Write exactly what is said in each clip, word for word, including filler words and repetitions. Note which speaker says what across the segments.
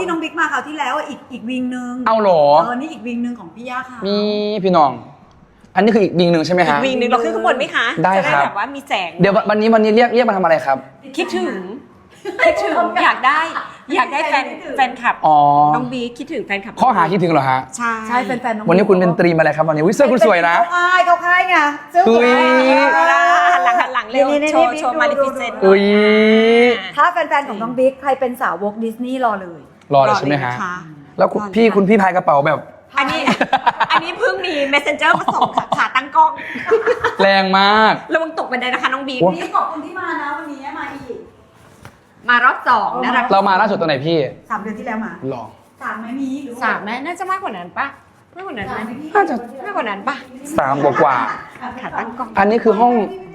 Speaker 1: ที่น้องบิ๊กมาคราวที่แล้วอีกอีกวิงนึง
Speaker 2: เอาหรอ
Speaker 1: เออนี่อีกวิงนึงของพี่ย่าค่ะ
Speaker 2: มีพี่น้องอันนี้คืออีกวิงหนึ่งใช่ไหมฮะ
Speaker 3: วิงหนึ่งเราขึ้นข้างบนไหมคะ
Speaker 2: ได้ครับ
Speaker 3: จะแบบว่ามีแสง
Speaker 2: เดี๋ยววันนี้วันนี้เรียกเรียกมาทำอะไรครับ
Speaker 3: คิดถึงคิดถึงอยากได้อยากได้แฟนแฟนคลับน้องบีคิดถึงแฟนคลับ
Speaker 2: ข้อหาคิดถึงเหรอฮะ
Speaker 3: ใช่
Speaker 1: ใช่แฟนๆน้อง
Speaker 2: วันนี้คุณเป็นตรีมอะไรครับวันนี้วิเซอร์คุณสวยนะ
Speaker 1: เขาค่ายเขาค่ายไงเสื้อสวย
Speaker 3: หันหลังหันหลังเร็วโชว์โชว์มาริฟิเซนต์
Speaker 2: อุ้ย
Speaker 1: ถ้าแฟนๆของน้องบิ๊กใครเป็นสาวกดิสนีย์รอเลย
Speaker 2: รอเลยใช่ไหมฮะแล้วพี่คุณพี่พายกระเป๋าแบบ
Speaker 3: อันนี้อันนี้เพิ่งมี messenger มาส่งค่ะขาตั้งกล้อง
Speaker 2: แรงมาก
Speaker 3: ระวังตกบันไดนะคะน้องบี
Speaker 1: นี่ขอบคุณที่มานะวันนี้มาอีก
Speaker 3: มารอบสองนะ
Speaker 2: เรามาล่าสุดตอนไหนพี่
Speaker 1: สามเดือนที่แล้วมา
Speaker 2: หรอ
Speaker 1: สามไหมมีหรือ
Speaker 3: สามไหมน่าจะมากกว่านั้นปะมากกว่านั้นไหม
Speaker 2: น่าจะ
Speaker 3: มากกว่านั้นปะ
Speaker 2: สามกว่า
Speaker 3: ขาตั้งกล้อง
Speaker 2: อันนี้คือห้อง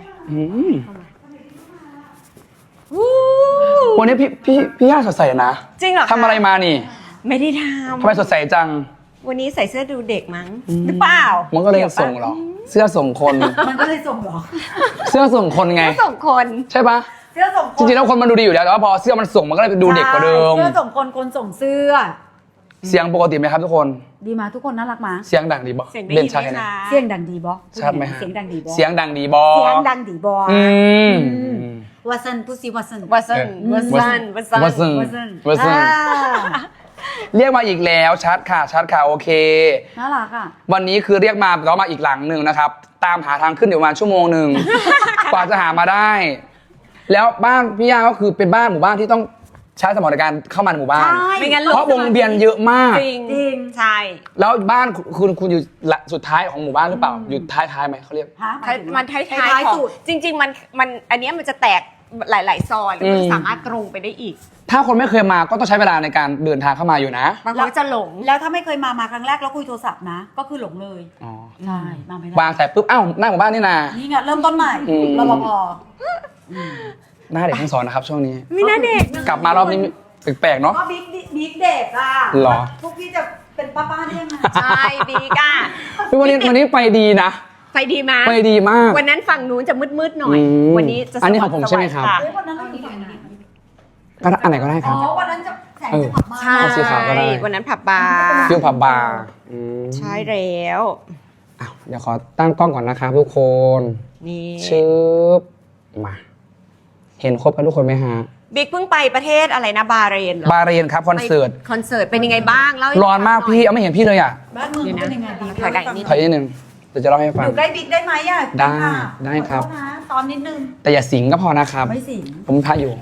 Speaker 2: วันนี้พี่พี่พี่ย่าสดใสนะ
Speaker 3: จริงเหรอ
Speaker 2: ทำอะไรมานี่
Speaker 3: ไม่ได้ทำ
Speaker 2: ทำไมสดใสจัง
Speaker 3: วันนี้ใส่เสื้อดูเด็กมั้งหรือเปล่า
Speaker 2: มันก็เลยส่งหรอเสื้อส่งคน
Speaker 1: มันก็เลยส่งหรอ
Speaker 2: เสื้อส่งคนไง
Speaker 3: ส่งคน
Speaker 2: ใช่ปะ
Speaker 1: เสื้อส่งคน
Speaker 2: จริงๆแล้วคนมันดูดีอยู่แล้วแต่ว่าพอเสื้อมันส่งมันก็เลยดูเด็กกว่าเดิม
Speaker 1: เสื้อส่งคนคนส่งเสื้อ
Speaker 2: เสียงปกติไหมครับทุกคน
Speaker 1: ดีมาทุกคนน่ารักมา
Speaker 2: เสียงดังดีบอ
Speaker 3: เสียงดีไหมคะ
Speaker 1: เสียงดังดีบอ
Speaker 2: ชัดไหมฮะ
Speaker 1: เสียงดังดีบอ
Speaker 2: เสียงดังดีบอ
Speaker 1: เสียงดังดีบอ
Speaker 2: อืม
Speaker 1: วัสันพูดสิวัสัน
Speaker 3: วัสันวัสันวัสัน
Speaker 2: วัสันวัสันเรียกมาอีกแล้วชัดค่ะชัดค่ะโอเค
Speaker 1: น่ารักอ่ะ
Speaker 2: วันนี้คือเรียกมาเรามาอีกหลังหนึ่งนะครับตามหาทางขึ้นอยู่ประมาณชั่วโมงหนึ่งกว่าจะหามาได้แล้วบ้านพี่ย่าก็คือเป็นบ้านหมู่บ้านที่ต้องใช้สมรรถการเข้ามาในหมู่บ้าน
Speaker 3: ไม่งั้น
Speaker 2: เพราะวงเวียนเยอะมาก
Speaker 3: จริงจริงใช่
Speaker 2: แล้วบ้านคุณคุณอยู่สุดท้ายของหมู่บ้านหรือเปล่าอยู่ท้ายท้ายไหมเขาเรียก
Speaker 3: มันท้ายท้ายสุดจริงๆมันมันอันนี้มันจะแตกหลายๆซอยแล้วมันสามารถตรงไปได้อีก
Speaker 2: ถ้าคนไม่เคยมาก็ต้องใช้เวลาในการเดินทางเข้ามาอยู่นะ
Speaker 3: บางคนจะหลง
Speaker 1: แล้วถ้าไม่เคยมามาครั้งแรกแล้วคุยโทรศัพท์นะก็คือหลงเลย
Speaker 2: อ๋อ
Speaker 1: ใช่มาไม่ได้
Speaker 2: วางแต่ปุ๊บอ้าวหน้าหมู่บ้านนี่นา
Speaker 1: นี่ไงเริ่มต้นใหม่รปภ
Speaker 2: หน้าเด็กทั้งสองนะครับช่วงนี้
Speaker 3: มีหน้าเด็ก
Speaker 2: กลับมารอบนี้แปลกๆเนาะ
Speaker 1: ก็บิ๊กบิ๊กเด็กอ่ะ
Speaker 2: หรอ
Speaker 1: พวกพี่จะเป็นป้าป้าได้ยังไง
Speaker 3: ใช่บิ๊กอ่ะ
Speaker 2: วันนี้วันนี้ไปดีนะ
Speaker 3: ไปดีมาก
Speaker 2: ไปดีมาก
Speaker 3: วันนั้นฝั่งนู้นจะมืดๆหน่อยวันนี้จะ
Speaker 2: อันนี้ของผมใช่ไหมครับ
Speaker 1: วันนั้นเราอยู่ไหน
Speaker 2: ก็อันไหนก็ได้ครับ
Speaker 1: อ๋อวันนั้นจะแสงจะผับบาร์
Speaker 3: ใช่วันนั้นผับบาร์
Speaker 2: ฟิวผับบาร์
Speaker 3: ใช่แล้ว
Speaker 2: เดี๋ยวขอตั้งกล้องก่อนนะครับทุกคน
Speaker 3: นี่
Speaker 2: ชืบมาเห็นครบกันทุกคนไหมฮะ
Speaker 3: บิ๊กเพิ่งไปประเทศอะไรนะบาเรน
Speaker 2: บาเรนครับคอนเสิร์ต
Speaker 3: คอนเสิร์ตเป็นยังไงบ้างเล่า
Speaker 2: ร้อนมากพี่เอาไม่เห็นพี่เลยอ่ะ
Speaker 1: บ้านเมืองเป็นยังไงบิ๊ก
Speaker 3: ถอยกันนิด
Speaker 2: ถอยนิดนึงเดี๋ยวจะเล่าให้ฟัง
Speaker 1: อยู่ใกล้บิ๊กได้ไหมอ่ะ
Speaker 2: ได้ได้ครับ
Speaker 1: ตอนนิดนึง
Speaker 2: แต่อย่าสิงก็พอนะครับ
Speaker 1: ไม่สิง
Speaker 2: ผมพาอยู่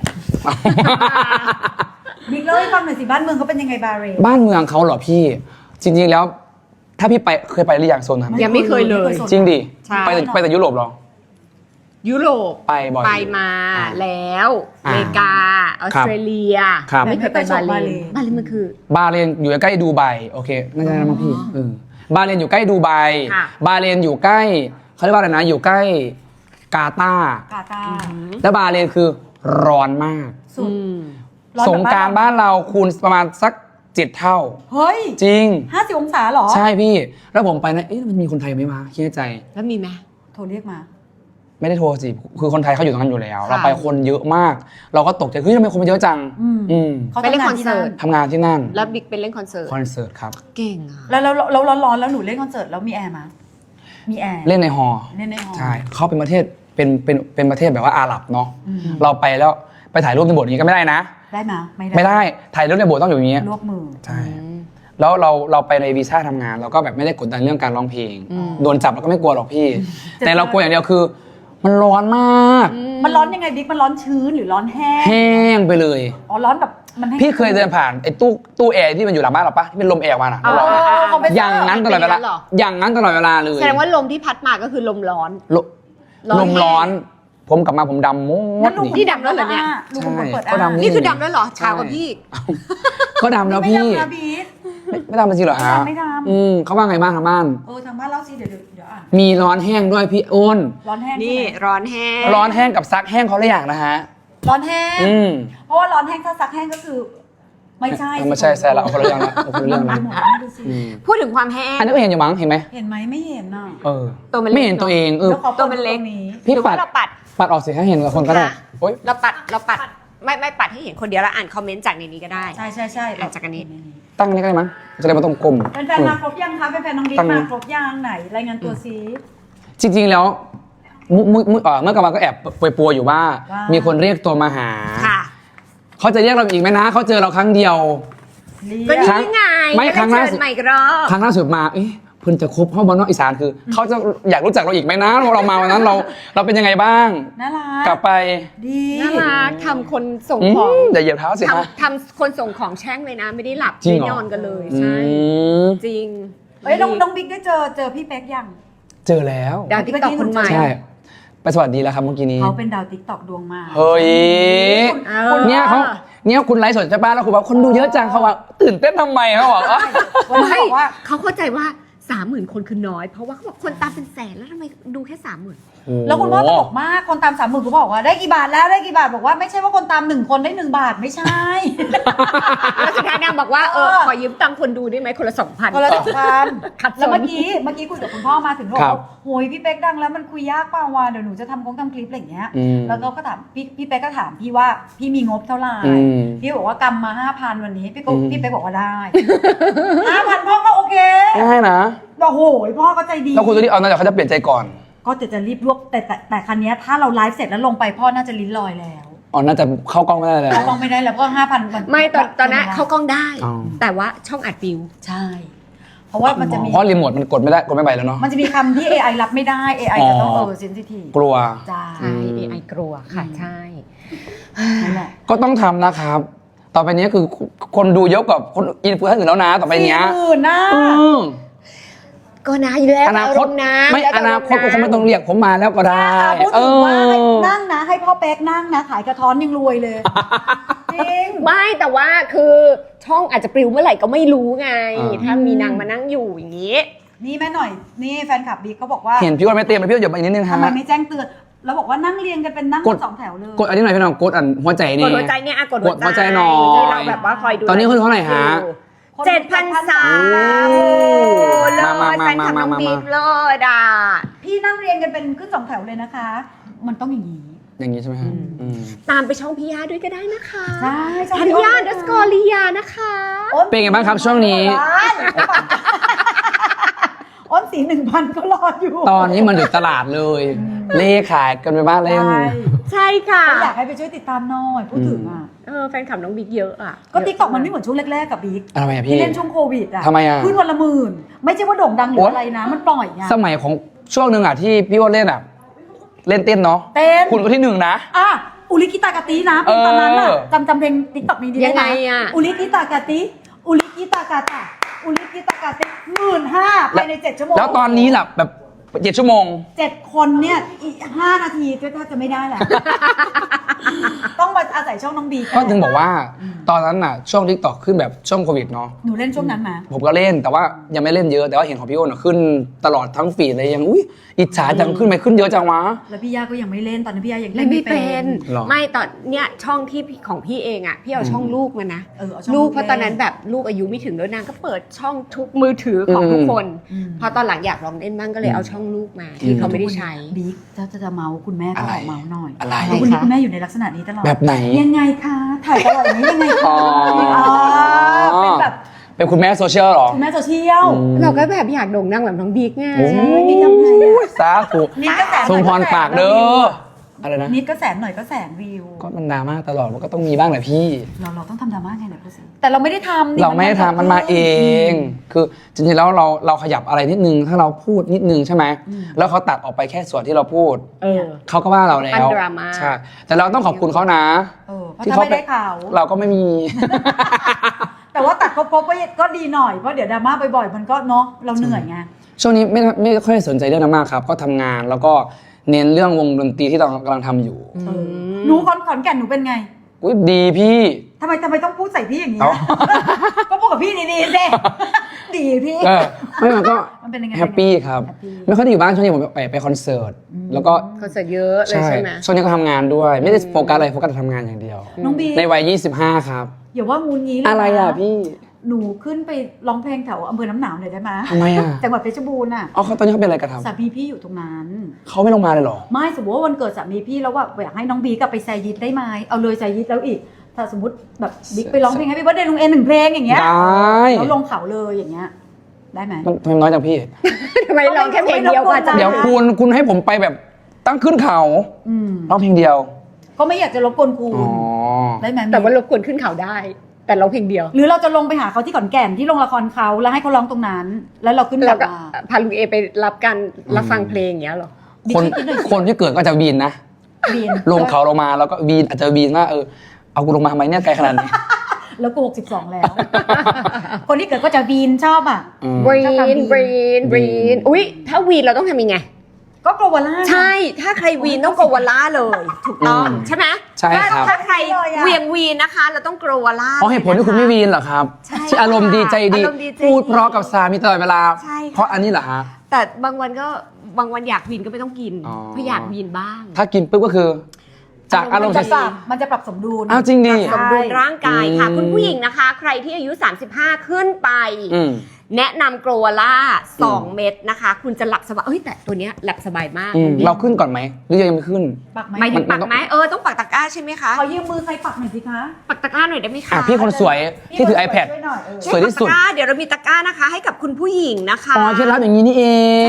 Speaker 1: บิ๊กเล่าให้ฟังหน่อยสิบ้านเมืองเขาเป็นยังไงบาเรน
Speaker 2: บ้านเมืองเขาเหรอพี่จริงๆแล้วถ้าพี่ไปเคยไปหรือยังโซนนั้น
Speaker 3: ยังไม่เคยเลย
Speaker 2: จริงดิไปไปแต่ยุโรปหรอ
Speaker 3: ยุโรป
Speaker 2: ไปบ่อย
Speaker 3: ไปมาแล้วอเมริกาออสเตรเลียไม่เคยไปบาเลนบาเลนมันคือบ
Speaker 2: าเลนอยู่ใกล้ดูไบโอเคน่าจะได้มั้งพี่บาเลนอยู่ใกล้ดูไบบาเลนอยู่ใกล้เขาเรียกว่าอะไรนะอยู่ใกล้กาตาร์
Speaker 1: กาตาร์
Speaker 2: แล้วบาเลนคือร้อนมากสงกรานต์บ้านเราคูณประมาณสักเจ็ดเท่า
Speaker 1: เฮ้ย
Speaker 2: จริง
Speaker 1: ห้าสิบองศาหรอ
Speaker 2: ใช่พี่แล้วผมไปนะเอ๊ะมันมีคนไทยไหมวะคิดในใจ
Speaker 3: แล้วมีไหม
Speaker 1: โทรเรียกมา
Speaker 2: ไม่ได้โทรสิคือคนไทยเขาอยู่ตรงนั้นอยู่แล้วเราไปคนเยอะมากเราก็ตกใจเฮ้ยทำไมคนมันเยอะจัง
Speaker 3: เขาไปเล่นคอนเสิร์ต
Speaker 2: ทำงานที่นั่น
Speaker 3: แล้วบิ๊กเป็นเล่นคอนเสิร์ต
Speaker 2: คอนเสิร์ตครับ
Speaker 3: เก่งอ่ะ
Speaker 1: แล้วแล้วแล้วร้อนแล้วหนูเล่นคอนเสิร์ตแล้วมีแอร์มั้ยมีแอร์
Speaker 2: เล่นในฮอลล์
Speaker 1: เล่นในฮอลล์
Speaker 2: ใช่เขาเป็นประเทศเป็นเป็นเป็นประเทศแบบว่าอาหรับเนาะเราไปแล้วไปถ่ายรูปในโบสถ์นี้ก็ไม่ได้นะ
Speaker 1: ได้มั้ยไม่ได้
Speaker 2: ไม่ได้ถ่ายรูปในโบสถ์ต้องอยู่อย่างนี้
Speaker 1: ลวกมือ
Speaker 2: ใช่แล้วเราเราไปในวีซ่าทำงานเราก็แบบไม่ได้กดดันเรื่องการร้องเพลงโดนจับเราก็ไม่กลัวหรอกพี่แต่เรากลัวอย่างเดียวคือมันร้อนมาก
Speaker 1: มันร้อนยังไงบิ๊กมันร้อนชื้นหรือร้อนแห้ง
Speaker 2: แห้งไปเลย
Speaker 1: อ๋อร้อนแบบมัน
Speaker 2: พี่เคยเดินผ่านไอ้ตู้ตู้แอร์ที่มันอยู่หลังบ้านเราปะที่เป็นลมแอร์มาอ่ะอย่างนั้นตลอดเวลาอย่างนั้นตลอดเวลาเลย
Speaker 3: แสดงว่าลมที่พัดมาก็คือลมร้อน
Speaker 2: ลมร้อนผมกลับมาผมดำมด
Speaker 3: นี่ดำแล้วเหรอเนี่ย
Speaker 2: ใช่
Speaker 3: ก็ดำนี่คือดำแล้วเหรอชาวกับพี่
Speaker 2: ก็ดำแล้วพี่ไม่ดำจริงเหรอฮะ
Speaker 1: ไม่ดำ
Speaker 2: อืมเขาว่าไงบ้างทางบ้าน
Speaker 1: เออทางบ้านเล่าสิเดี๋ยวเดี๋ยวอ่ะ
Speaker 2: มีร้อนแห้งด้วยพี่อ้น
Speaker 1: ร้อนแห้ง
Speaker 3: นี่ร้อนแห้ง
Speaker 2: ร้อนแห้งกับซักแห้งเขาละอย่างนะฮะ
Speaker 1: ร้อนแห้งเพราะว่าร้อนแห้งถ้าซักแห้งก็คือไม่ใช่
Speaker 2: ไม่ใช่แซ่ละเอาคนละเรื่องละเอาคนละเรื่องละ
Speaker 3: พูดถึงความแห้ง
Speaker 2: อันนี้ก็เห็นอยู่มั้งเห็นไหม
Speaker 1: เห็นไหมไม่เห็นน่ะ
Speaker 2: เออตัวมันไม่เห็นตัวเองเออ
Speaker 3: ตัวมันเล็ก
Speaker 2: พี่ปัดปัดออกสิให้เห็นกับคนก็ได้
Speaker 3: เราปัดเราปัดไม่ไม่ปัดให้เห็นคนเดียวแล้วอ่านคอมเมนต์จากในนี้ก็ได้
Speaker 1: ใช่ใช่ใช่
Speaker 3: อ่ะจากอันนี้
Speaker 2: ตั้งนี่ก็ได้มั้งจะได้ไมาต้องกลม
Speaker 1: แฟนๆมาครบยังคะแฟนๆน้องบิ๊ก
Speaker 2: ตั้ง
Speaker 1: มาครบยังไหนรายงานตัวซิ
Speaker 2: จริงๆแล้วมุมุมุเอ่อเมื่อกลางวันก็แอบปวยปัวอยู่ว่า
Speaker 1: ว่ามี
Speaker 2: มีคนเรียกตัวมาหา
Speaker 3: ค่ะ
Speaker 2: เขาจะเรียกเราอีกไหมนะเขาเจอเราครั้งเดียว
Speaker 3: ก็
Speaker 1: เรีย
Speaker 3: นี่ไง
Speaker 2: ไม่ครั้งล่าสุด
Speaker 3: เชิญใหม่อีกรอบ
Speaker 2: ครั้งล่าสุดมาเอ๊ะเพิ่นจะคบห้องบอลนอกอีสานคือ เขาจะอยากรู้จักเราอีกไหมนะว่าเรามาวันนั้นเราเราเป็นยังไงบ้าง
Speaker 1: น่ารัก
Speaker 2: กลับไป
Speaker 1: ดี
Speaker 3: น่ารักทำคนส่ง
Speaker 2: อื
Speaker 3: ของ
Speaker 2: มอย่าเหยียบเท้าสิฮะ
Speaker 3: ทำทำคนส่งของแช่งเลยนะ ไม่ได้หลับ
Speaker 2: จริง
Speaker 3: ไม่
Speaker 2: เหรอ
Speaker 3: นอนกันเลย
Speaker 2: อื
Speaker 3: ใช่
Speaker 2: ม
Speaker 3: จริง
Speaker 1: เอ้ยน้องน้องบิ๊กได้เจอเจอพี่เป๊กยัง
Speaker 2: เจอแล้ว
Speaker 3: ดาวติ๊กต็อกคนใหม่
Speaker 2: ใช่ไปสวัสดีแล้วครับเมื่อกี้นี้
Speaker 1: เขาเป็นดาวติ๊กต็อกดวงมา
Speaker 2: เฮ้ย
Speaker 3: เออ
Speaker 2: เนี่ยเขาเนี่ยคุณไลฟ์สดใช่ป่ะแล้วคุณบอกคนดูเยอะจังเขาว่าตื่นเต้นทำไมเขาบอกเอ้ย
Speaker 1: วันนี้บอกว่า
Speaker 3: เขาเข้าใจว่าสามหมื่นคนคือน้อย เพราะว่าเขาบอกคนตามเป็นแสนแล้วทำไมดูแค่สามหมื่น
Speaker 1: แล้วคุณพ่อตลกมากคนตามสามหมื่นคุณพ่อบอกว่าได้กี่บาทแล้วได้กี่บาทบอกว่าไม่ใช่ว่าคนตามหนึ่งคนได้หนึ่งบาทไม่ใช่
Speaker 3: แล้วสุดท้ายนางบอกว่าเออ
Speaker 1: เออ
Speaker 3: ขอยืมตังค์คนดูได้ไหมคนละสองพัน
Speaker 1: คนละสองพัน
Speaker 3: ขัดสน
Speaker 1: แล้วเมื่อกี้เมื่อกี้คุยกับคุณพ่อมาถึงบอก
Speaker 2: ครั
Speaker 1: ว่า
Speaker 2: บ
Speaker 1: โหยพี่เป๊กดังแล้วมันคุยยากเปล่าวะเดี๋ยวหนูจะทำคงทำคลิปอะไรอย่างเงี้ย
Speaker 2: อืม
Speaker 1: แล้วก็ก็ถามพี่พี่เป๊กก็ถามพี่ว่าพี่มีงบเท่าไหร่
Speaker 2: อืม
Speaker 1: พี่บอกว่ากำมาห้าพันวันนี้พี่ก็
Speaker 2: อืม
Speaker 1: พี่เป๊กบอกว่าได้ ห้าพันพ่อก็โอเค
Speaker 2: ง่ายนะ
Speaker 1: บอกโหยพ่อก็ใจดี
Speaker 2: แล้วคุณตัวนี้เอาน่าจะเขาจะเปลี่ยนใจก่อน
Speaker 1: ก็จะจะรีบรวบแต่แต่แต่คันนี้ยถ้าเราไลฟ์เสร็จแล้วลงไปพ่อน่าจะลิ้นลอยแล้ว
Speaker 2: อ๋อน่าจะเข้ากล้องไม่ได้แล้ว
Speaker 1: เขากล้องไม่ได้แล้วก็ห้าพันมัน
Speaker 3: ไม่ตอนตอนนั้นเขากล้องได้
Speaker 2: อ๋อ
Speaker 3: แต่ว่าช่องอัดวิว
Speaker 1: ใช่ เพราะว่ามันจะมี
Speaker 2: เพราะรีโมทมันกดไม่ได้กดไม่ไปแล้วเนาะ
Speaker 1: มันจะมีคำที่ เอ ไอ รับไม่ได้ เอ ไอ จะต้อง
Speaker 2: อ๋
Speaker 1: เอ
Speaker 2: อ
Speaker 1: อเซนซิทีฟ
Speaker 2: กลัว
Speaker 1: จ้า
Speaker 3: ใช่ เอ ไอ กลัวค่ะ ใช่
Speaker 1: นั่นแหละ
Speaker 2: ก็ต้องทำนะครับ ต่อไปนี้คือคนดูเยอะกว่าคนอินฟลูเอนเซอร์อื่นแล้วนะต่อไปเนี้ย
Speaker 1: สี่หมื่นนะ
Speaker 2: อืม
Speaker 3: ก็นะอยู่แล้ว
Speaker 2: อนาคต
Speaker 3: รมณ์นะ
Speaker 2: ไม่
Speaker 3: แล้วแต่
Speaker 2: อนาคต
Speaker 3: ร
Speaker 2: ก็
Speaker 3: ณ์
Speaker 2: คงไม่ต้องเรียกผมมาแล้วก็ได้
Speaker 1: อ่ะพูด
Speaker 2: เอ
Speaker 1: ถึงว่าให้
Speaker 2: อ
Speaker 1: นั่งนะ ให้พ่อเป๊กนั่งนะ ขายกระท้อนยังรวยเลย จริง
Speaker 3: ไม่แต่ว่าคือช่องอาจจะปลิวเมื่อไหร่ก็ไม่รู้ไง
Speaker 2: อ่า
Speaker 3: ถ้ามีนางมานั่งอยู่อย่างนี้
Speaker 1: นี่แม่หน่อย นี่แฟนคลับบิ๊กเขาบอกว่า
Speaker 2: เห็นพี่ว่าไม่เตรียมเลยพี่ว่าหยบไปอีกนิดนึงฮะ
Speaker 1: ทำไมไม่แจ้งเตือน แล้วบอกว่านั่งเรียงกันเป็นนั่ง
Speaker 2: กด
Speaker 1: สองแถวเลย
Speaker 2: กดอันนี้หน่อยพี่น้องกดอันหัวใจ
Speaker 3: ก
Speaker 2: นี่
Speaker 3: ดหัวใจเนี่ยอ่ะกด
Speaker 2: กดหัวใจหน่อย
Speaker 3: ที่เราแบบว่าคอยดู
Speaker 2: ตอนนี้คนเท่าไหร่ฮะ
Speaker 3: เจ็ดพันสาม
Speaker 2: โอ้
Speaker 3: เลย
Speaker 2: มามามา
Speaker 3: แฟนคลับน้อง
Speaker 2: มามา
Speaker 3: บิ๊กเลยด่า
Speaker 1: พี่นั่งเรียงกันเป็นขึ้นสองแถวเลยนะคะ มันต้องอย่างนี้
Speaker 2: อย่างนี้ใช่ไหมฮะอืม
Speaker 3: ตามไปช่องพี่ยาด้วยก็ได้นะคะ
Speaker 1: ใช่ช่อง
Speaker 3: ธัญ
Speaker 1: พี่อ้น
Speaker 3: ญาดัสกอริยานะคะ
Speaker 1: อ้น
Speaker 2: เป็นไงบ้างครับช่วงนี้
Speaker 1: อ้นสีหนึ่งพันก็รออยู่
Speaker 2: ตอนนี้มันถึงตลาดเลย เลขขายกันไปบ้างเล่น
Speaker 1: ใช่
Speaker 3: ใช่ค่ะ
Speaker 1: ก็อยากให้ไปช่วยติดตามหน่อยพูดถึงอ่ะ
Speaker 3: เออแฟนคลับน้องบิ๊กเยอะอ่ะ
Speaker 1: ก็ติ๊กต็อกมันไม่เหมือนช่วงแรกๆกับบิ๊ก
Speaker 2: ทำไมอะพี่
Speaker 1: ที่เล่นช่วงโควิดอ่ะ
Speaker 2: ทำไมอะ
Speaker 1: ขึ้นวันละหมื่นไม่ใช่ว่าโด่งดังหรืออะไรนะ มันปล่อยไง
Speaker 2: สมัยของช่วงหนึ่งอ่ะที่พี่ว่าเล่นอ่ะ เล่นเต้นเนาะ
Speaker 1: เต้น
Speaker 2: คุณก็ที่หนึ่งนะ
Speaker 1: อ่ะอุลิกิตากาตินะเพลงตอนนั้นอ่ะ
Speaker 2: เออ
Speaker 1: จำจำเพลงติ๊กต็อกนี้ดี
Speaker 3: ยังไง
Speaker 1: ได้หม
Speaker 3: อ่ะ
Speaker 1: อุลิกิตากาติอุลิกิตากาตาอุลิกิตากาติหมื่นห้าภายในเจ็ดชั่วโมง
Speaker 2: แล้วตอนนี้ล่ะแบบเจ็ดชั่วโมง
Speaker 1: เจ็ดคนเนี่ยอีกห้านาทีก็ถ้าจะไม่ได้แหละ ต้องมาอาศัยช่องน้องบี
Speaker 2: ก็ถึงบอกว่าตอนนั้นน่ะช่วงทิกตอกขึ้นแบบช่วงโควิดเนาะ
Speaker 1: หนูเล่นช่วงนั้นมา
Speaker 2: ผมก็เล่นแต่ว่ายังไม่เล่นเยอะแต่ว่าเห็นของพี่โอ้นอะขึ้นตลอดทั้งฟีดเลยยังอุ้ยอิจฉาจังขึ้นไปขึ้นเยอะจังวะ
Speaker 1: แล้วพี่ย่าก็ยังไม่เล่นตอนนั้นพี่ย่ายัง
Speaker 3: เล่
Speaker 1: เล่
Speaker 3: น
Speaker 1: น
Speaker 3: ไม่
Speaker 1: ไม่
Speaker 3: เป็
Speaker 1: เป็น น
Speaker 2: หรอ
Speaker 3: ไม่ตอนเนี้ยช่องที่พี่ของพี่เองอ่ะพี่เอาช่องลูกมานะ
Speaker 1: เออเอาช่อง
Speaker 3: ลูก
Speaker 1: ลูก
Speaker 3: เพราะตอนนั้นแบบลูกอายุไม่ถึงแล้วนางก็เปิดช่องทุกมือถือของทุกคน
Speaker 1: อืม
Speaker 3: พอตอนหลังอยากลองเล่นบ้างก็เลยเอาช่องลูกมาที่เขาไม่ได้ใช้
Speaker 1: บิ๊กจะจะจะเมาส์คุณแม่ก็ออกเมาส์หน่อย
Speaker 2: อะไร
Speaker 1: เพราะคุณคุณแม่อยู่ในลักษณะนี้ตลอด
Speaker 2: แบบไหน
Speaker 1: ยังไงคะถ่ายตลอดอย่างนี้ยังไงคะ
Speaker 2: อ๋อ
Speaker 1: เป็นแบบ
Speaker 2: เป็นคุณแม่โซเชียลเหรอ
Speaker 1: คุณแม่โซเชียล
Speaker 2: อืม
Speaker 3: เราก็แบบอยากโด่งดังแบบน้องบิ๊กไง
Speaker 2: โอ้
Speaker 1: ใช่บิ๊กทำไงอะ
Speaker 2: สาธุ
Speaker 1: นิดก็แสน
Speaker 2: ทรงพร
Speaker 1: หน่อย
Speaker 2: ปากเด้ออะไรนะ
Speaker 1: นิดก็แสนหน่อยก็แสนวิว
Speaker 2: ก็มันดราม่าตลอดมันก็ต้องมีบ้างแหละพี่
Speaker 1: เราเราต้องทำดราม่าไงเนี่ยพูดสิแต่เราไม่ได้ทำนี่
Speaker 2: เราไม่ได้ทำมันมาเอง คือจริงๆแล้วเราเราขยับอะไรนิดนึงถ้าเราพูดนิดนึงใช่ไหมแล้วเขาตัดออกไปแค่ส่วนที่เราพูด
Speaker 3: เออ
Speaker 2: เขาก็ว่าเราแล้ว
Speaker 3: อันดราม่า
Speaker 2: ใช่แต่เราต้องขอบคุณเขานะ
Speaker 1: เออเพราะถ้าไม่ได้ข่าว
Speaker 2: เราก็ไม่มี
Speaker 1: แต่ว่าตัดครบๆก็ก็ดีหน่อยเพราะเดี๋ยวดราม่าบ่อยๆมันก็เนาะเราเหนื่อยไง
Speaker 2: ช่วงนี้ไม่ไม่ค่อยสนใจเรื่องนั้นมากครับ ก็ทำงานแล้วก็เน้นเรื่องวงดนตรีที่เรากำลังทำอยู่
Speaker 1: เออหนูขอนขอนแก่นหนูเป็นไง
Speaker 2: อุ้ยดีพี่
Speaker 1: ทำไมทำไมต้องพูดใส่พี่อย่างนี้
Speaker 2: เอ้า
Speaker 1: ก็พูดกับพี่ดีๆสิดีพี่
Speaker 2: เออไม่มันก็
Speaker 1: มันเป็นยังไง
Speaker 2: แฮปปี้ครับ
Speaker 1: แฮปปี้
Speaker 2: ไม่ค่อยได้อยู่บ้านช่วงนี้ผมไปไปคอนเสิร์ตแล้วก็
Speaker 3: คอนเสิร์ตเยอะเลย
Speaker 2: ใช่
Speaker 3: ใช่ไหม
Speaker 2: ช่วงนี้ก็ทำงานด้วย ไม่ได้โฟกัสอะไรโฟกัสแต่ทำงานอย่างเดียว
Speaker 1: น้องบี
Speaker 2: ในวัยยี่สิบห้าครับ
Speaker 1: อย่าว่างูงี้เลยน
Speaker 2: อะไรอ่ะพี่
Speaker 1: หนูขึ้นไปร้องเพลงแถวอำเภอน้ำหนาวหน่อยได้ไหม
Speaker 2: ทำไมอ่ะ
Speaker 1: จังหวัดเพชรบูรณ์อ่ะ
Speaker 2: อ๋อเขาตอนนี้เขาเป็นอะไรกันครับ
Speaker 1: สามีพี่อยู่ตรงนั้น
Speaker 2: เขาไม่ลงมาเลยเหรอ
Speaker 1: ไม่สมมติว่าวันเกิดสามีพี่แล้วว่าอยากให้น้องบีกลับไปแซยิดได้ไหมเอาเลยแซยิดแล้วอีก ถ้าสมมติแบบบิ๊กไปร้องเพลงให้พี่เบิร์ดเดย์ลุงเอ็นหนึ่งเพลงอย่างเงี้ย
Speaker 2: ได้
Speaker 1: แล้วลงเขาเลยอย่างเงี้ยได้ไหม
Speaker 2: มันทำไมน้อยจังพี่
Speaker 3: ทำไมร้องแค่เพลงเดียวกว่าจะ
Speaker 2: เดี๋ยวคุณคุณให้ผมไปแบบตั้งขึ้นเขา
Speaker 1: อืม
Speaker 2: ร้องเพลงเดียว
Speaker 1: ก็ไม่อยากจะรบกวนคุณ
Speaker 2: อ๋อ
Speaker 1: ได้ไหม
Speaker 3: แต่ว่ารบกวนขึ้นเขาได้ แต่ร้องเพลงเดียว
Speaker 1: หรือเราจะลงไปหาเขาที่ขอนแก่นที่โรงละครเขาแล้วให้เขาร้องตรงนั้น แล้วเราขึ้นก
Speaker 3: แล้
Speaker 1: ลั
Speaker 3: ว
Speaker 1: บ
Speaker 3: ก็
Speaker 1: มา
Speaker 3: พาลุงเอไปรับการรับฟังเพลงอย่างเงี้ยเหรอ
Speaker 2: คนคนที่เกิดก็จะวีนนะ
Speaker 1: บีน
Speaker 2: ลงเขาลงมาแล้วก็วีนอาจจะวีนว่าเออเอากูลงมาทำไมเนี่ยไกลขนาดนี้
Speaker 1: แล้วกูหกสิบสองแล้ว คนที่เกิดก็จะบีนชอบอ่ะ
Speaker 2: อืม
Speaker 3: บรี
Speaker 1: ชอบทำวี
Speaker 3: น
Speaker 1: น
Speaker 3: บรีนบรีนอุ้ยถ้าวีนเราต้องทำยังไง
Speaker 1: ก็โกลวาล่า
Speaker 3: ใช่ ถ้าใครวีนต้องโกวาล่าเลย ถูกต้อง
Speaker 2: อืม
Speaker 3: ใช่ไหม
Speaker 2: ใช่ครับ
Speaker 3: ถ้าถ้าใคร
Speaker 1: เลยอะ
Speaker 3: เวียงวีนนะคะ เราต้องโกวาล่า
Speaker 2: เพราะเหตุผลที่คุณไม่วีนเหรอครับ
Speaker 3: ใช่
Speaker 2: ที่อารมณ์ดีใจดี
Speaker 3: อารมณ์ดีใจดี
Speaker 2: พูดเพราะกับสามีตลอดเวลา
Speaker 3: ใช่ค่ะ
Speaker 2: เพราะอันนี้เหรอฮะ
Speaker 3: แต่บางวันก็บางวันอยากวีนก็ไม่ต้องกิน
Speaker 2: อ๋อ
Speaker 3: เพราะอยากวีนบ้าง
Speaker 2: ถ้ากินปุ๊บก็คือ จากอารมณ์
Speaker 1: มัน
Speaker 2: เสี
Speaker 1: จะ
Speaker 2: ย
Speaker 1: ปรับมันจะปรับสมดุล
Speaker 2: อ้าวจริงดิ
Speaker 3: สมดุลร่างกายค่ะ
Speaker 2: อืม
Speaker 3: คุณผู้หญิงนะคะ ใครที่อายุ สามสิบห้า ขึ้นไป
Speaker 2: อืม
Speaker 3: แนะนำโกลวาล่าสอง
Speaker 2: อืม
Speaker 3: เม็ดนะคะ คุณจะหลับสบายเอ้ยแต่ตัวเนี้ยหลับสบายมาก
Speaker 2: อืมเราขึ้นก่อนไหมหรือยังไม่ขึ้น
Speaker 1: ปักไหม
Speaker 3: หมายถึง
Speaker 2: มั
Speaker 3: ปั
Speaker 2: น
Speaker 3: ก
Speaker 2: ต้อง
Speaker 3: ไหมเออต้องปักตะกร้าใช่ไหมคะ
Speaker 1: ขอยืมมือใครปักหน่อยสิคะ
Speaker 3: ปักตะกร้าหน่อยได้ไหมคะ
Speaker 2: อ่ะพี่คนสวยที่ถือ iPad
Speaker 1: ช่วยหน่อยเออ
Speaker 2: สวยที่สุด
Speaker 3: ปักตะกร้าเดี๋ยวเรามีตะกร้านะคะ ให้กับคุณผู้หญิงนะคะ
Speaker 2: อ๋อเคล็ดลับอย่างนี้นี่เอง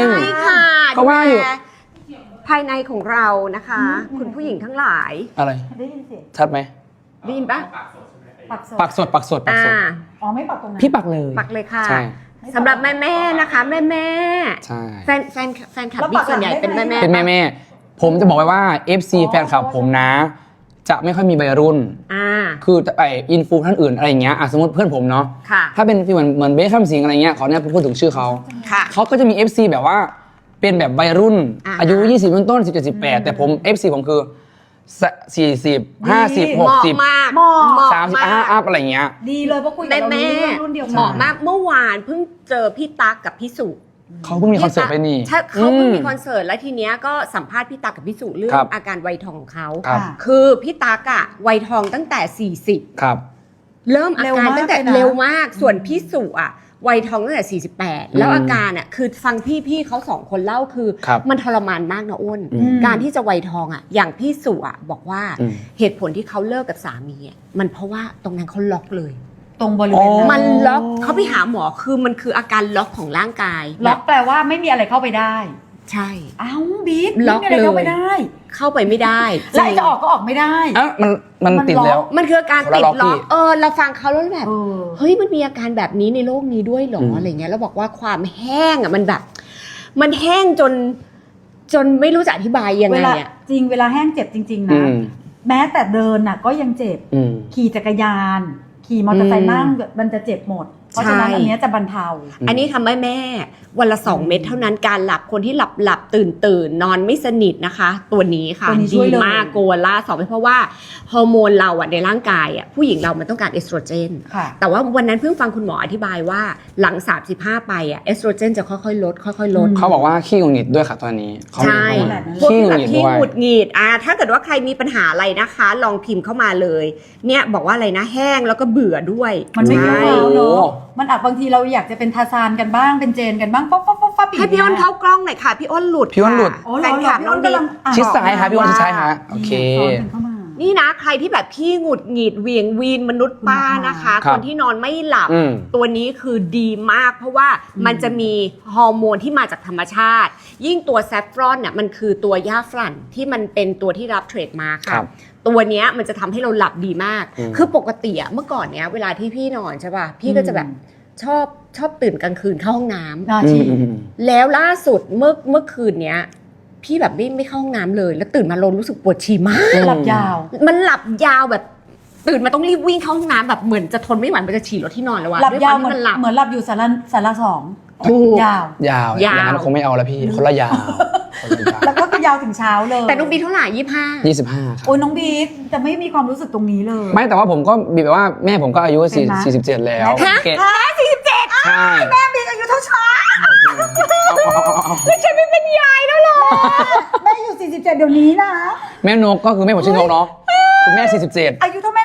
Speaker 3: ใช่ค่ะ
Speaker 2: เขาว่าอยู่
Speaker 3: ดูแลภายในของเรานะคะ
Speaker 1: อืม
Speaker 3: คุณผู้หญิงทั้งหลาย
Speaker 2: อะไร
Speaker 1: ได้ยินเสียง
Speaker 2: ชัดไหม
Speaker 3: ได้ยินปะ
Speaker 1: ปักสด
Speaker 2: ปักสดปักสดปัก
Speaker 3: อ่า
Speaker 2: สด
Speaker 1: อ๋อไม่ปักตรงนั้น
Speaker 2: พี่ปักเลย
Speaker 3: ปักเลยค่ะ
Speaker 2: ใช่
Speaker 3: สำหรับแม่แม่ๆนะคะ แม่แม่
Speaker 2: ใช่
Speaker 3: แฟนแฟนแฟนคลับบิ๊กส่วนใหญ่เป็นแม่แม่
Speaker 2: เป็นแม่แม่ๆผมจะบอกไว้ว่า เอฟ ซี แฟนคลับผมนะ จะไม่ค่อยมีวัยรุ่น
Speaker 3: อ่า
Speaker 2: คือไออินฟูท่านอื่นอะไรอย่างเงี้ยอ่ะสมมติเพื่อนผมเนาะ
Speaker 3: ค่ะ
Speaker 2: ถ้าเป็นเหมือนเหมือนเบคแฮมสิงอะไรเงี้ยขอเนี่ยพูดถึงชื่อเขา
Speaker 3: ค่ะ
Speaker 2: เขาก็จะมี เอฟ ซี แบบว่าเป็นแบบวัยรุ่น
Speaker 3: อ่า
Speaker 2: อายุยี่สิบต้นๆสิบเจ็ดสิบแปดแต่ผม เอฟ ซี ผมคือสี่สิบห้าสิบห
Speaker 3: เห
Speaker 2: ก
Speaker 3: มาะ
Speaker 2: สิบ
Speaker 3: มาก
Speaker 1: เหมาะ
Speaker 3: เหมาะ
Speaker 2: สามสิบ
Speaker 3: มาก
Speaker 2: ห้าอัพอะไรเงี้ย
Speaker 1: ดีเลยเพราะคุยกับ
Speaker 3: แม่
Speaker 1: เรา
Speaker 3: แม่
Speaker 1: รู้เรื่องรุ่นเดียวกัน
Speaker 3: เหมาะมากเมื่อวานเพิ่งเจอพี่ตั๊กกับพี่สุ
Speaker 2: เขาเพิ่งมีคอนเสิร์ตไปนี่
Speaker 3: ใช่เขาเพิ่งมี
Speaker 2: อื
Speaker 3: คอนเสิร์ตแล้วทีเนี้ยก็สัมภาษณ์พี่ตั๊กกับพี่สุเรื่อ
Speaker 2: ครั
Speaker 3: ง
Speaker 2: บ
Speaker 3: อาการวัยทองของเขา
Speaker 2: ครับ
Speaker 3: คือพี่ตั๊กอะวัยทองตั้งแต่สี่สิบ
Speaker 2: ครับ
Speaker 3: เริ่มอาการตั้งแต่
Speaker 1: เร็วมากเลยนะ
Speaker 3: เร็วมาก ส่วนพี่สุอะวัยทองตั้งแต่สี่สิบแปดแล้วอาการอะคือฟังพี่พี่เขาสองคนเล่าคือ
Speaker 2: ครับ
Speaker 3: มันทรมานมากนะอ้น
Speaker 2: อืม
Speaker 3: การที่จะวัยทองอะอย่างพี่สุอะบอกว่า
Speaker 2: อืม
Speaker 3: เหตุผลที่เขาเลิกกับสามีอะมันเพราะว่าตรงนั้นเขาล็อกเลย
Speaker 1: ตรงบริเวณ
Speaker 2: อ๋อ
Speaker 3: มันล็อกเขาไปหาหมอคือมันคืออาการล็อกของร่างกาย
Speaker 1: ล็อกแปลว่าไม่มีอะไรเข้าไปได้
Speaker 3: ใช่
Speaker 1: อ้าวบิ๊ก
Speaker 3: ล็อก
Speaker 1: ไม่มีอะไรเข้าไป
Speaker 3: เลย
Speaker 1: ได้
Speaker 3: เข้าไปไม่ได้
Speaker 1: แล้วไอ้จะออกก็ออกไม่ได้
Speaker 2: อ่ะมันมัน
Speaker 1: มัน
Speaker 2: ติด
Speaker 1: ล็อก
Speaker 2: แล้ว
Speaker 3: มันคืออาการติด
Speaker 2: คนละล็อก
Speaker 3: ล็อก
Speaker 2: พี่
Speaker 3: เออเราฟังเขาแล้วแบบ
Speaker 1: เออ
Speaker 3: เฮ้ยมันมีอาการแบบนี้ในโลกนี้ด้วยเหรอ
Speaker 2: อืม
Speaker 3: อะไรเงี้ยแล้วบอกว่าความแห้งอ่ะมันแบบ มันแห้งจน จนไม่รู้จะอธิบายยัง
Speaker 1: เว
Speaker 3: ไง
Speaker 1: ลา
Speaker 3: อ่ะ
Speaker 1: จริงเวลาแห้งเจ็บจริง ๆ
Speaker 2: อื
Speaker 1: นะ
Speaker 2: ม
Speaker 1: แม้แต่เดินน่ะก็ยังเจ็บ
Speaker 2: อืม
Speaker 1: ขี่จักรยาน ขี่มอเตอร์ไซ
Speaker 3: อื
Speaker 1: ค์
Speaker 3: ม
Speaker 1: นั่งมันจะเจ็บหมด เพราะฉะนั้น
Speaker 3: ใช่
Speaker 1: อันเนี้ยจะบรรเทา
Speaker 2: อืม
Speaker 3: อันนี้ทำให้แม่วันละสองเม็ดเท่านั้นการหลับคนที่หลับหลับตื่นตื่นนอนไม่สนิทนะคะ ตัวนี้ค่ะ
Speaker 1: ตัวนี้ช่
Speaker 3: ดี
Speaker 1: วยเลย
Speaker 3: มากโกวาล่าสองเพราะว่าฮอร์โมนเราอ่ะในร่างกายอ่ะผู้หญิงเรามันต้องการเอสโตรเจน
Speaker 1: ค่ะ
Speaker 3: แต่ว่าวันนั้นเพิ่งฟังคุณหมออธิบายว่าหลังสามสิบห้าไปอ่ะเอสโตรเจนจะค่อยๆลดค่อยๆลด
Speaker 1: อืม
Speaker 2: เขาบอกว่าขี้หงุดหงิดด้วยค่ะตอนนี้เขา
Speaker 3: ใช่
Speaker 2: เขา
Speaker 1: แบบนั้น
Speaker 3: พวก
Speaker 2: ขี้
Speaker 3: ที่
Speaker 2: หงุ
Speaker 3: แบ
Speaker 2: ดหงิด
Speaker 3: บที่
Speaker 2: ด้วย
Speaker 3: หงุดหงิดอ่าถ้าเกิดว่าใครมีปัญหาอะไรนะคะ ลองพิมพ์เข้ามาเลย เนี่ยบอกว่าอะไรนะแห้งแล้วก็เบื่อด้วย
Speaker 1: มันไม่
Speaker 3: ใช่
Speaker 1: เข้า
Speaker 2: โอ้
Speaker 1: เนาะมันอาจบางทีเราอยากจะเป็นทาซานกันบ้างเป็นเจนกันบ้างป๊อปป๊อปป๊อปป๊อป
Speaker 3: ให้พี่อ้นเข้ากล้องหน่อยค่ะ พี่อ้นหลุด
Speaker 2: พี่อ้นหลุด
Speaker 3: ค่ะ
Speaker 1: โอ้เห
Speaker 3: แฟ
Speaker 1: รอน เหร
Speaker 3: ค
Speaker 1: อ
Speaker 3: ลับ
Speaker 1: พี่
Speaker 3: น้
Speaker 1: อ้
Speaker 3: อง
Speaker 1: น
Speaker 3: บิ๊
Speaker 1: กำลั
Speaker 3: ก
Speaker 1: งอ่าน
Speaker 2: ชิดซ้ายค่ะพี่อ้นชิดซ้าย
Speaker 1: ว่า
Speaker 2: ฮะโอเค
Speaker 1: สอนกันเข้ามา
Speaker 3: นี่นะใครที่แบบขี้หงุดหงิดเหวียงวีนมนุษย์ป้านะคะ
Speaker 2: ครั
Speaker 3: ค
Speaker 2: บ
Speaker 3: นที่นอนไม่หลับ
Speaker 2: อืม
Speaker 3: ตัวนี้คือดีมาก เพราะว่ามันจะมีฮอร์โมนที่มาจากธรรมชาติ ยิ่งตัวแซฟฟรอนเนี่ยมันคือตัวย่าฝรั่นที่มันเป็นตัวที่รับเทรดมา
Speaker 2: ครั
Speaker 3: ค่ะ
Speaker 2: บ
Speaker 3: ตัวเนี้ยมันจะทำให้เราหลับดีมาก
Speaker 2: อืม
Speaker 3: คือปกติอะเมื่อก่อนเนี้ยเวลาที่พี่นอนใช่ป่ะพี่ก็จะแบบชอบชอบตื่นกลางคืนเข้าห้องน้ำ
Speaker 1: น่า
Speaker 2: อื
Speaker 1: ชี
Speaker 2: มอืมอืม
Speaker 3: แล้วล่าสุดเมื่อเมื่อคืนเนี้ยพี่แบบไม่ไม่เข้าห้องน้ำเลย แล้วตื่นมาลงรู้สึกปวดฉี่มาก
Speaker 1: หลับยาว
Speaker 3: มันหลับยาวแบบตื่นมาต้องรีบวิ่งเข้าห้องน้ำแบบเหมือนจะทนไม่ไหวมันจะฉี่รถที่นอนแล้วอะ
Speaker 1: หลับ
Speaker 3: ด้วยค
Speaker 1: ยาว
Speaker 3: ม
Speaker 1: เหมื
Speaker 3: ที่
Speaker 1: อน
Speaker 3: มันหลับ
Speaker 1: เหมือนหลับอยู่สาระสาระสอง
Speaker 3: ถูก
Speaker 1: ยาว
Speaker 2: ยาวอย
Speaker 3: าว
Speaker 2: ย่างนั้นคงไม่เอาแล้วพี่คนละยาวคนละยาว
Speaker 1: แล้วก็คือยาวถึงเช้าเลย
Speaker 3: แต่น้องบีเท่าไหร่ยี่ห้า
Speaker 2: ยี่สิบห้าครับ
Speaker 1: โอ้ยน้องบิ๊กจะไม่มีความรู้สึกตรงนี้เลย
Speaker 2: ไม่แต่ว่าผมก็บีแบบว่าแม่ผมก็อายุ
Speaker 1: เป็นไหม
Speaker 2: สี่สิบเจ็ดแล้ว
Speaker 1: ฮะ
Speaker 2: โอเคสี่สิบเจ็ดใช่
Speaker 1: แม่บิ๊กอายุเท่าช้า
Speaker 3: แล้วฉันไม่เป็นยายแล้วหรอ
Speaker 1: แม่อยู่สี่สิบเจ็ดเดี๋ยวนี้นะ
Speaker 2: แม่นกก็คือแม่ผมชื่อนกเนาะคุณแม่สี่สิบเจ็ด
Speaker 1: อายุเท่าแม่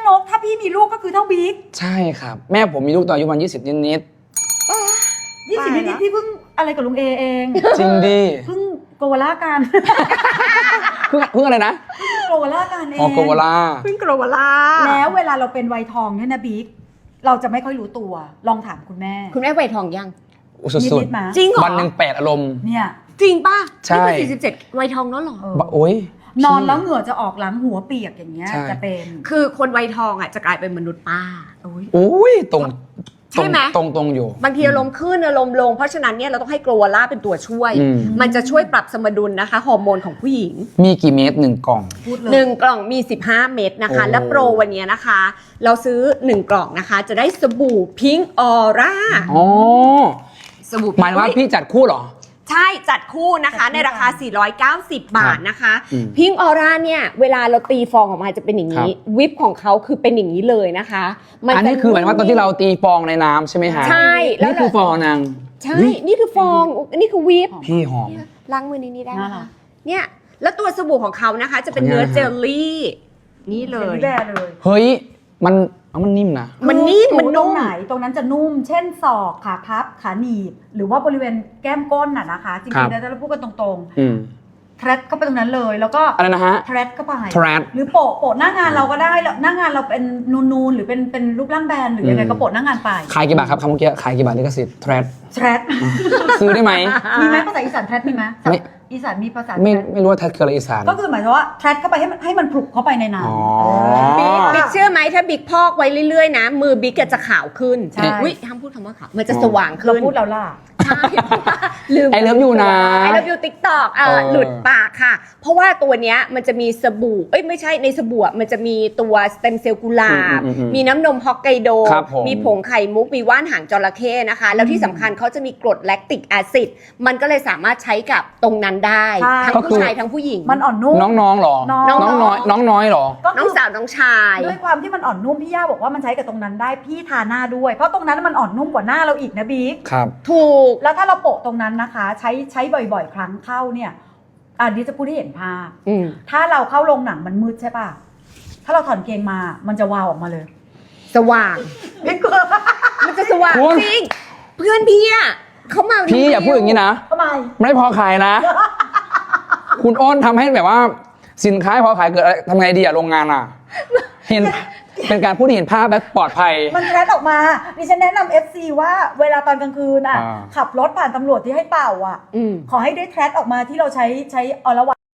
Speaker 1: นกถ้าพี่มีลูกก็คือเท่าบิ๊ก
Speaker 2: ใช่ครับ แม่ผมมีลูกตอนอายุประมาณยี่สิบนิด
Speaker 1: ยี่สิบ
Speaker 3: ตาย
Speaker 1: นิ
Speaker 3: ละ
Speaker 1: ดๆพี่เพิ่งอะไรกับลุงเอเอง
Speaker 2: ๆจริงดิ
Speaker 1: เพิ่งโกวาล่ากัน
Speaker 2: เพิ่งเพิ่งอะไรนะ
Speaker 1: โกวาล่ากันเอง
Speaker 2: ออโกวาลา
Speaker 3: เพิ่งโกรวลา
Speaker 1: แล้วเวลาเราเป็นวัยทองเนี่ยนะบิ๊กเราจะไม่ค่อยรู้ตัวลองถามคุณแม่
Speaker 3: คุณแม่ไวทองยัง
Speaker 2: อุยสุด
Speaker 1: นิดๆมา
Speaker 3: จริงเหรอ
Speaker 2: วันหนึ่งแปดอารมณ์
Speaker 1: เนี่ย
Speaker 3: จริงป่ะ
Speaker 2: ใช่
Speaker 3: นี่คือสี่สิบเจ็ดไวทองแล้วเหรอ
Speaker 1: เออ
Speaker 2: บะโอ้ย
Speaker 1: นอนแล้วเหงื่อจะออกหลังหัวเปียกอย่างเงี้ย
Speaker 2: ใช่
Speaker 1: จะเป็น
Speaker 3: คือคนไวทองอ่ะจะกลายเป็นมนุษย์ป้า
Speaker 1: โอ้ย
Speaker 2: โอ้ยตรง
Speaker 3: ใช่ไหม
Speaker 2: ตรงตรงๆอยู่
Speaker 3: บางทีอารมณ์ขึ้นอารมณ์ลง เพราะฉะนั้นเนี่ยเราต้องให้โกรวล่าเป็นตัวช่วย
Speaker 2: อืม
Speaker 3: มันจะช่วยปรับสมดุลนะคะฮอร์โมนของผู้หญิง
Speaker 2: มีกี่เม็ดหนึ่งกล่อง
Speaker 1: พูดเลย
Speaker 3: หนึ่งกล่องมีสิบห้าเม็ดนะคะ
Speaker 2: โอ้
Speaker 3: และโปรวันนี้นะคะ เราซื้อหนึ่งกล่องนะคะ จะได้สบู่พิงออร่า
Speaker 2: อ๋อ
Speaker 3: สบู่
Speaker 2: หมายว่าพี่จัดคู่เหรอ
Speaker 3: ใช่จัดคู่นะคะ ในราคา สี่ร้อยเก้าสิบ บาทนะคะ
Speaker 2: อืม
Speaker 3: พิงออร่าเนี่ยเวลาเราตีฟองออกมาจะเป็นอย่างนี้ วิปของเขาคือเป็นอย่างนี้เลยนะคะมั
Speaker 2: อันนี้
Speaker 3: จะ
Speaker 2: คือหมายว่าตอนที่เราตีฟองในน้ำใช่ไหมฮะ
Speaker 3: ใช่แล้ว
Speaker 2: นี่คือฟองนาง
Speaker 3: ใช่ นี่คือฟองนี่คือวิป
Speaker 2: พี่หอม
Speaker 3: ล้างมือในนี้ได้ไหม
Speaker 1: น่ารั
Speaker 3: คะ
Speaker 1: ก
Speaker 3: เนี่ยแล้วตัวสบู่ของเขานะคะ จะเป็น
Speaker 2: ขออนุ
Speaker 3: เนื้อ
Speaker 2: ญาตนะฮะ
Speaker 3: เจลลี่ นี่เล
Speaker 1: เป็น
Speaker 3: ย
Speaker 1: พี่แบร์เลย
Speaker 2: เฮ้ย มันเอามันนิ่มนะ
Speaker 3: มันนิ่ม
Speaker 1: คือ
Speaker 3: มันนุ่ม
Speaker 1: ตรงไหนตรงนั้นจะนุ่ม เช่นศอกขาพับขาหนีบ หรือว่าบริเวณแก้มก้นน่ะนะคะ จ
Speaker 2: ครั
Speaker 1: ริง
Speaker 2: บ
Speaker 1: ๆแล้วเราพูดกันตรง
Speaker 2: อืม
Speaker 1: ๆแทรดเข้าไปตรงนั้นเลย แล้วก็
Speaker 2: อะไรนะฮะ
Speaker 1: แทรดเข้าไป
Speaker 2: thread
Speaker 1: หรือโปะโปะหน้างานเราก็ได้แล้วหน้างานเราเป็นนูนๆหรือเป็นเป็นรูปร่างแบนหรือยังไง
Speaker 2: อืม
Speaker 1: ก็โปะหน้างานไป
Speaker 2: ขายกี่บาทครับคำเมื่อกี้ขายกี่บาทลิขสิทธิ์ thread
Speaker 1: แทรด
Speaker 2: ซื้อได้ไหม
Speaker 1: มีไหมภาษาอีสานแทรดมีไหม
Speaker 2: ไม่
Speaker 1: อีสานมีภาษา
Speaker 2: ไม่
Speaker 1: แทรด
Speaker 2: ไม่รู้ว่า thread คืออะไรอีสาน
Speaker 1: ก็คือหมายถึงว่าแทรดเข้าไปให้มันให้มันผลุกเข้าไปในน้ำ
Speaker 2: อ๋อ
Speaker 1: เออ
Speaker 3: บิ๊กเชื่อไหมถ้าบิ๊กพอกไว้เรื่อยๆนะ มือบิ๊กจะขาวขึ้น
Speaker 1: ใช่
Speaker 3: อุ้ยห้ามพูดคำว่าขาวมันจะสว่าง
Speaker 1: เรา
Speaker 3: ขึ้น
Speaker 1: พูดแล้วล่ะ
Speaker 3: ใช่ลืม
Speaker 2: ไอเลิฟยูนะ
Speaker 3: ไอเลิฟยูติ๊กตอกเอ
Speaker 2: เอ
Speaker 3: อ
Speaker 2: อ
Speaker 3: หลุดปากค่ะ เพราะว่าตัวเนี้ยมันจะมีสบู่เอ้ยไม่ใช่ในสบู่อะมันจะมีตัวสเต็มเซลล์กุหลาบ
Speaker 2: อืมอืมอืม
Speaker 3: มีน้ำนมฮอกไกโด
Speaker 2: ครับผม
Speaker 3: มีผงไข่มุกมีว่านหางจระเข้นะคะ แล้วที่สำคัญเขาจะมีกรดแลคติกแอซิดมันก็เลยสามารถใช้กับตรงนั้นได้
Speaker 1: ใช่
Speaker 3: ทั้ง
Speaker 2: ก็คื
Speaker 3: ผู้
Speaker 2: อ
Speaker 3: ชายทั้งผู้หญิง
Speaker 1: มันอ่อนนุ่ม
Speaker 2: น้องๆเหรอ
Speaker 1: น้อง
Speaker 2: น้องน้อยน้องน้อยเหรอ
Speaker 1: ก็
Speaker 3: น้
Speaker 1: คือ
Speaker 3: องสาวน้องชาย
Speaker 1: ด้วยความที่มันอ่อนนุ่มพี่ย่าบอกว่ามันใช้กับตรงนั้นได้พี่ทาหน้าด้วย เพราะตรงนั้นมันอ่อนนุ่มกว่าหน้าเราอีกนะบิ๊ก
Speaker 2: ครับ
Speaker 3: ถูก
Speaker 1: แล้วถ้าเราโปะตรงนั้นนะคะ ใช้ใช้บ่อยๆ ครั้งเข้าเนี่ยอันนี้จะพูดให้เห็นภาพ
Speaker 3: อืม
Speaker 1: ถ้าเราเข้าโรงหนังมันมืดใช่ป่ะถ้าเราถอนเกงมามันจะวาวออกมาเลย
Speaker 3: สว่าง
Speaker 1: ไม่กลัว
Speaker 3: มันจะสว่าง
Speaker 2: คุณ
Speaker 3: จริงเพื่อนพี่อะเขามา
Speaker 2: พี่อย่าพูดอย่างนี้นะ
Speaker 1: ทำไม
Speaker 2: ไม่พอขายนะ คุณอ้นทำให้แบบว่าสินค้าพอขายเกิดอะไรทำไงดีอะโรงงานอะเห็นเป็นการพูดที่เห็นภาพและปลอดภัย
Speaker 1: มันแทรดออกมาดิฉันแนะนำ เอฟ ซี ว่าเวลาตอนกลางคืนอ่ะ
Speaker 2: อ่า
Speaker 1: ขับรถผ่านตำรวจที่ให้เป่าอ่ะ
Speaker 3: อืม
Speaker 1: ขอให้ได้แทรดออกมาที่เราใช้ใช้ออลวา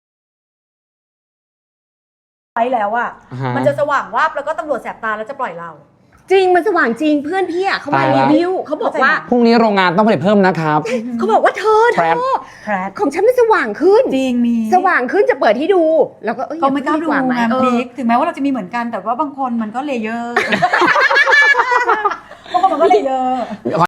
Speaker 1: ไว้แล้วอ่ะ
Speaker 2: อ่าฮะ
Speaker 1: มันจะสว่างวาบแล้วก็ตำรวจแสบตาแล้วจะปล่อยเรา
Speaker 3: จริงมันสว่างจริงเพื่อนพี่อะเขามา
Speaker 2: ตาย
Speaker 3: รี
Speaker 2: ละ
Speaker 3: วิวเขาบอกว่า
Speaker 2: พรุ่งนี้โรงงานต้องผลิตเพิ่มนะครับ
Speaker 3: เขาบอกว่าเธอเธ
Speaker 2: แทรด
Speaker 3: อ
Speaker 1: แทรด
Speaker 3: ของฉันมันสว่างขึ้น
Speaker 1: จริงมี
Speaker 3: สว่างขึ้นจะเปิดให้ดู แล้วก็เอ้ย
Speaker 1: เขาไม่กล้าดู
Speaker 3: อย่พู
Speaker 1: ไง
Speaker 3: ดีกว่าไหมเออ
Speaker 1: บิ๊กถึงแม้ว่าเราจะมีเหมือนกันแต่ว่าบางคนมันก็เลเยอร์ บางคนมันก็เลเยอร์